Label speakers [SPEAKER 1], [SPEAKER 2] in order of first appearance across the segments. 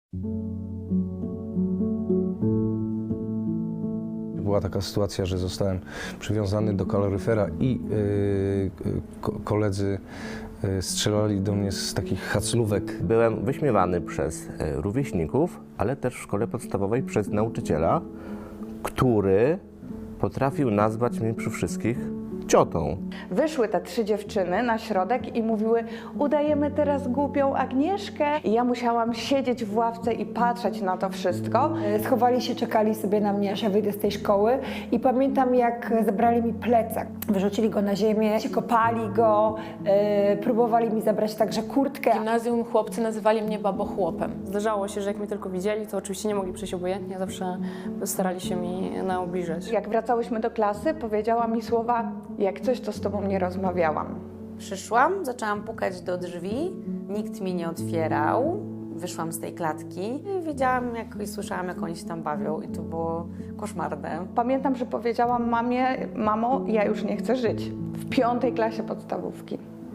[SPEAKER 1] Była taka sytuacja, że zostałem przywiązany do kaloryfera i koledzy strzelali do mnie z takich haclówek.
[SPEAKER 2] Byłem wyśmiewany przez rówieśników, ale też w szkole podstawowej przez nauczyciela, który potrafił nazwać mnie przy wszystkich ciotą.
[SPEAKER 3] Wyszły te 3 dziewczyny na środek i mówiły: udajemy teraz głupią Agnieszkę. I ja musiałam siedzieć w ławce i patrzeć na to wszystko.
[SPEAKER 4] Schowali się, czekali sobie na mnie, aż ja wyjdę z tej szkoły i pamiętam, jak zabrali mi plecak. Wyrzucili go na ziemię, kopali go, próbowali mi zabrać także kurtkę.
[SPEAKER 5] W gimnazjum chłopcy nazywali mnie babochłopem. Zdarzało się, że jak mnie tylko widzieli, to oczywiście nie mogli przejść obojętnie, zawsze starali się mi naobliżać.
[SPEAKER 3] Jak wracałyśmy do klasy, powiedziała mi słowa: jak coś, to z tobą nie rozmawiałam.
[SPEAKER 6] Przyszłam, zaczęłam pukać do drzwi, nikt mi nie otwierał. Wyszłam z tej klatki i widziałam i słyszałam, jak oni się tam bawią i to było koszmarne.
[SPEAKER 3] Pamiętam, że powiedziałam mamie: mamo, ja już nie chcę żyć. W 5. klasie podstawówki.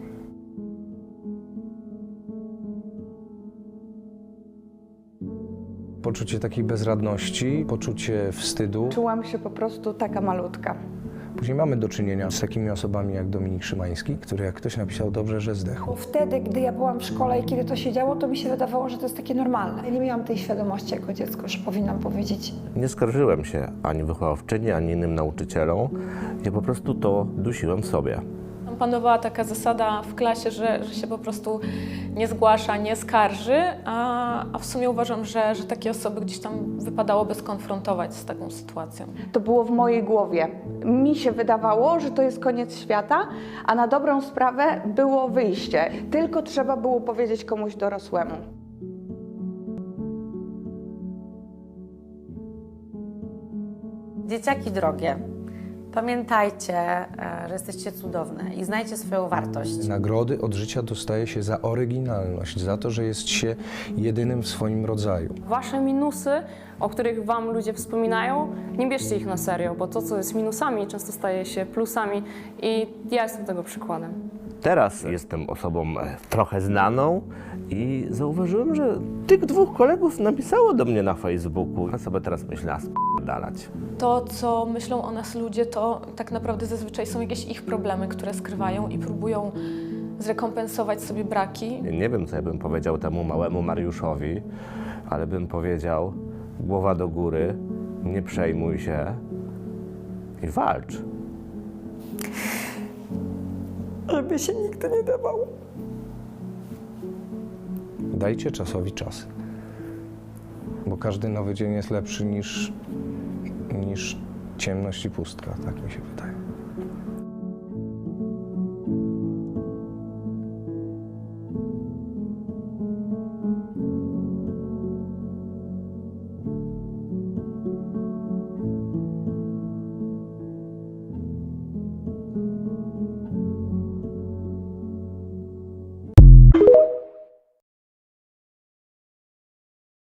[SPEAKER 1] Poczucie takiej bezradności, poczucie wstydu.
[SPEAKER 3] Czułam się po prostu taka malutka.
[SPEAKER 1] Później mamy do czynienia z takimi osobami jak Dominik Szymański, który, jak ktoś napisał dobrze, że zdechł.
[SPEAKER 4] Wtedy, gdy ja byłam w szkole i kiedy to się działo, to mi się wydawało, że to jest takie normalne. Nie miałam tej świadomości jako dziecko, że powinnam powiedzieć.
[SPEAKER 2] Nie skarżyłem się ani wychowawczyni, ani innym nauczycielom. Ja po prostu to dusiłem w sobie.
[SPEAKER 5] Tam panowała taka zasada w klasie, że się po prostu nie zgłasza, nie skarży, a w sumie uważam, że takie osoby gdzieś tam wypadałoby skonfrontować z taką sytuacją.
[SPEAKER 3] To było w mojej głowie. Mi się wydawało, że to jest koniec świata, a na dobrą sprawę było wyjście. Tylko trzeba było powiedzieć komuś dorosłemu.
[SPEAKER 6] Dzieciaki drogie, pamiętajcie, że jesteście cudowne i znajcie swoją wartość.
[SPEAKER 1] Nagrody od życia dostaje się za oryginalność, za to, że jest się jedynym w swoim rodzaju.
[SPEAKER 5] Wasze minusy, o których wam ludzie wspominają, nie bierzcie ich na serio, bo to, co jest minusami, często staje się plusami i ja jestem tego przykładem.
[SPEAKER 2] Teraz jestem osobą trochę znaną i zauważyłem, że tych 2 kolegów napisało do mnie na Facebooku. Ja sobie teraz myślę, a spierdalać.
[SPEAKER 5] To, co myślą o nas ludzie, to tak naprawdę zazwyczaj są jakieś ich problemy, które skrywają i próbują zrekompensować sobie braki.
[SPEAKER 2] Nie wiem, co ja bym powiedział temu małemu Mariuszowi, ale bym powiedział: głowa do góry, nie przejmuj się i walcz.
[SPEAKER 4] Żeby się nigdy nie dawał.
[SPEAKER 1] Dajcie czasowi czas, bo każdy nowy dzień jest lepszy niż ciemność i pustka, tak mi się wydaje.